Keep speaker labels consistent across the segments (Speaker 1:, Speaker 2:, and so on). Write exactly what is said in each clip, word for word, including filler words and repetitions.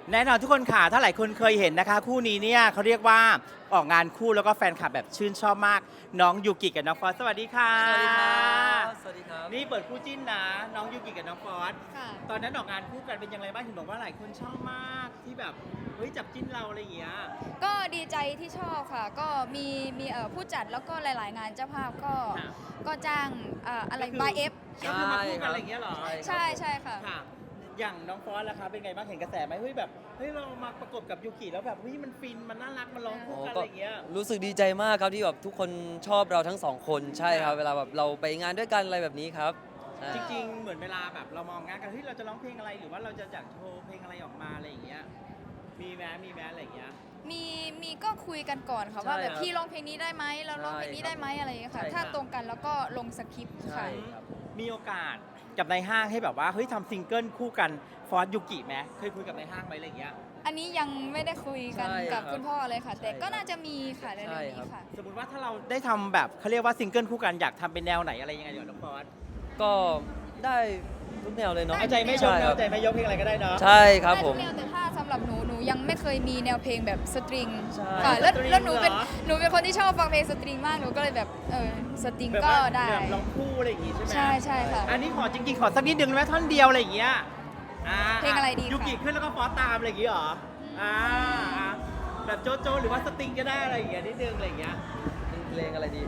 Speaker 1: แน่นอนทุกคนค่ะถ้าหลายคนเคยเห็นนะคะ คู่นี้เนี่ยเขาเรียกว่าออกงานคู่แล้วก็แฟนคลับแบบชื่นชอบมาก น้องยูกิกับน้องฟอสสวัสดีค่ะ
Speaker 2: สวัสดีครับสวัสดีครับ
Speaker 1: นี่เปิดคู่จิ้นนะน้องยูกิกับน้องฟอส
Speaker 3: ค่ะ
Speaker 1: ตอนนั้นออกงานคู่กันเป็นยังไงบ้างเห็นบอกว่าหลายคนชอบมากที่แบบเฮ้ยจับจิ้นเราอะไรอย่างเงี้ย
Speaker 3: ก็ดีใจที่ชอบค่ะ ก็มีมีเอ่อผู้จัดแล้วก็หลาย ๆ งานเจ้าภาพก็
Speaker 1: ค่ะ
Speaker 3: ก็จ้างเอ่ออะไร
Speaker 1: ก็คือ
Speaker 3: บายเอฟ
Speaker 1: ก็คือมาคู่กันอะไรอย่างเงี้ยเหรอ
Speaker 3: ใช่ใช่ค่ะ
Speaker 1: ค่ะ อย่างน้องฟอสล่ะคะเป็นไงบ้างเห็นกระแสไหมเฮ้ยแบบเฮ้ยเรามาประกบกับยูกิแล้วแบบเฮ้ยมันฟินมันน่ารักมันร้องคู่กันอะไรอย่างเงี้ย
Speaker 2: รู้สึกดีใจมากครับที่แบบทุกคนชอบเราทั้งสองคนใช่ครับ
Speaker 1: ค่ะ
Speaker 2: เวลาแบบเราไปงานด้วยกันอะไรแบบนี้ครับใช่
Speaker 1: จริงๆ เหมือนเวลาแบบเรามองงานกันเฮ้ยเราจะร้องเพลงอะไรหรือว่าเราจะอยากโชว์เพลงอะไรออกมาอะไรอย่างเงี้ยมีแม้มีแม้อะไรอย่างเงี้ย
Speaker 3: มีมีก็คุยกันก่อนค่ะว่าแบบพี่ร้องเพลงนี้ได้ไหมเราร้องเพลงนี้ได้ไหมอะไรอย่างเงี้ยค่ะ ถ้าตรงกันแล้วก็ลงสคริปต์
Speaker 2: ใช่
Speaker 3: ค่ะ
Speaker 2: ครับ
Speaker 1: มีโอกาสกับในห้างให้แบบว่าเฮ้ยทำซิงเกิลคู่กันฟอสยูกิไหมเคยคุยกับในห้างไหมอะไรอย่างเงี้ย
Speaker 3: อันนี้ยังไม่ได้คุยกัน
Speaker 2: ใช่
Speaker 3: กับ
Speaker 2: ครับ
Speaker 3: คุณพ่อเลยค่ะ แต่
Speaker 2: ใช่
Speaker 3: ก็น่าจะมีค่ะเร็ว
Speaker 2: ใช่
Speaker 3: ๆ
Speaker 2: ครับ
Speaker 3: นี้ค่ะ
Speaker 1: สมมติว่าถ้าเราได้ทำแบบเขาเรียกว่าซิงเกิลคู่กันอยากทำเป็นแนวไหนอะไรยังไงเดี๋ยวน้องฟอส
Speaker 2: ก็ได้ทุกแนวเลยเนาะ
Speaker 1: เอาใจไม่ยก
Speaker 2: ใช่ค
Speaker 1: เอา
Speaker 2: รับ
Speaker 1: ใจไม่ยกเพลงอะไรก็ได้เนาะ
Speaker 2: ใช่ครับ
Speaker 3: ได้
Speaker 2: ผ
Speaker 3: ทุ
Speaker 2: ม
Speaker 3: กแนวแต่ถ้าสำหรับหนูหนูยังไม่เคยมีแนวเพลงแบบสตริง
Speaker 2: ใช่
Speaker 3: ค่ะแล้ว
Speaker 1: สตริง
Speaker 3: แล้วหนูเป็น
Speaker 1: เหรอ
Speaker 3: หนูเป็นคนที่ชอบฟังเพลงสตริงมากหนูก็เลยแบบเออสตริง
Speaker 1: แบบ
Speaker 3: ก็
Speaker 1: ว่า
Speaker 3: ได้
Speaker 1: แบบร้องคู่อะไรอย่างงี้ใช่ไหม
Speaker 3: ใช่ใช่ค่ะ
Speaker 1: อันนี้ขอจริงๆขอสักนิดนึงได้ไหมท่อนเดียวอะไรอย่างเงี้ยอ่า
Speaker 3: เพลงอะไรดีคะ
Speaker 1: ยูกิขึ้นแล้วก็ฟอสตามอะไรอย่างงี้เหรออ่าอ่าแบบโจโจหรือว่าสติงก็ได้อะไรอย่างเงี้ยนิดนึงอะไรอย่างเงี้ย
Speaker 2: เป็นเพลงอะไรดี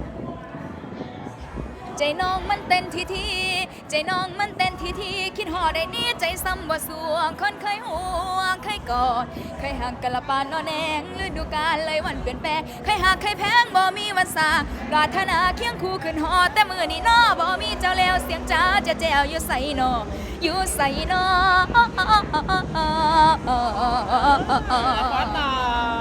Speaker 3: ใจน้องมันเต้นทีทีใจน้องมันเต้นทีทีคิดหอดได้นี้ใจซ้ำบ่สวงคนเคยห่วงเคยกอดเคยห่างกันละปานนอนแนงฤดูกาลเลยวันเปลี่ยนแปลงเคยหักเคยแพงบ่มีวันสาปรารถนาเคียงคู่ขึ้นหอแต่มือนี้นอบ่มีเจ้าแล้วเสียงจ้าจะแจวอยู่ใส่นออยู่ใส่นอ
Speaker 1: ฟอสต่อ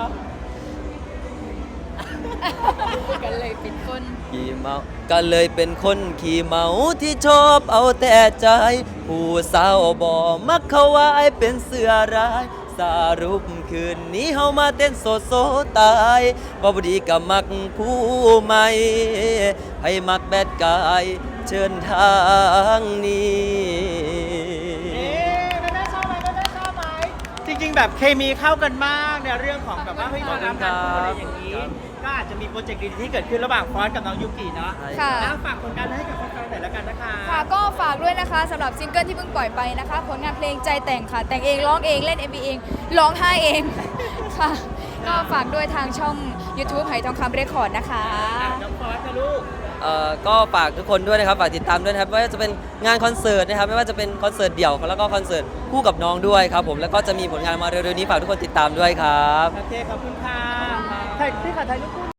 Speaker 3: กันเลยเป็นคน
Speaker 2: ขี่เมาก็เลยเป็นคนขี่เมาที่ชอบเอาแต่ใจ ผู้สาวบ่มักเขาว่าไอ้เป็นเสือร้าย สรุปคืนนี้เฮามาเต้นโซโซตายบ่บดีกับมักผู้ใหม่ ให้มักแบดกายเชิญทางนี้
Speaker 1: เอ๊ะแม่แม่ชอบไหมแม่แม่ชอบไหมจริงๆแบบเคมีเข้ากันมากในเรื่องของแบบว่าเฮ้ย
Speaker 2: ขอบคุณ
Speaker 1: ทำงานคู่อะไรอย่างนี้
Speaker 2: ครับ
Speaker 1: ก็อาจจะมีโปรเจกต์ดีๆที่เกิดขึ้นระหว่างฟอสกับน้องยูกิเนาะ
Speaker 3: ค่ะ
Speaker 1: แล้วฝากผลงานให้กับแฟนๆหน่อยละกันนะคะ
Speaker 3: ค่ะก็ฝากด้วยนะคะสำหรับซิงเกิลที่เพิ่งปล่อยไปนะคะ ผลงานเพลงใจแต่งค่ะ แต่งเองร้องเองเล่น เอ็ม วี เองร้องไห้เอง ค่ะ ก็ฝากด้วยทางช่อง YouTube ไหทองคำเรคคอร์ดนะคะ
Speaker 1: อ่ะน้องฟอสค่ะลูก
Speaker 2: เอ่อก็ฝากทุกคนด้วยนะครับฝากติดตามด้วยนะครับไม่ว่าจะเป็นงานคอนเสิร์ตนะครับไม่ว่าจะเป็นคอนเสิร์ตเดี่ยวแล้วก็คอนเสิร์ตคู่กับน้องด้วยครับผมแล้วก็จะมีผลงานมาเร็วๆนี้ฝากทุกคนติดตามด้วยครับ
Speaker 1: โอเค ขอบคุณค่ะถ่ายพี่ค่ะถ่ายรูปคู่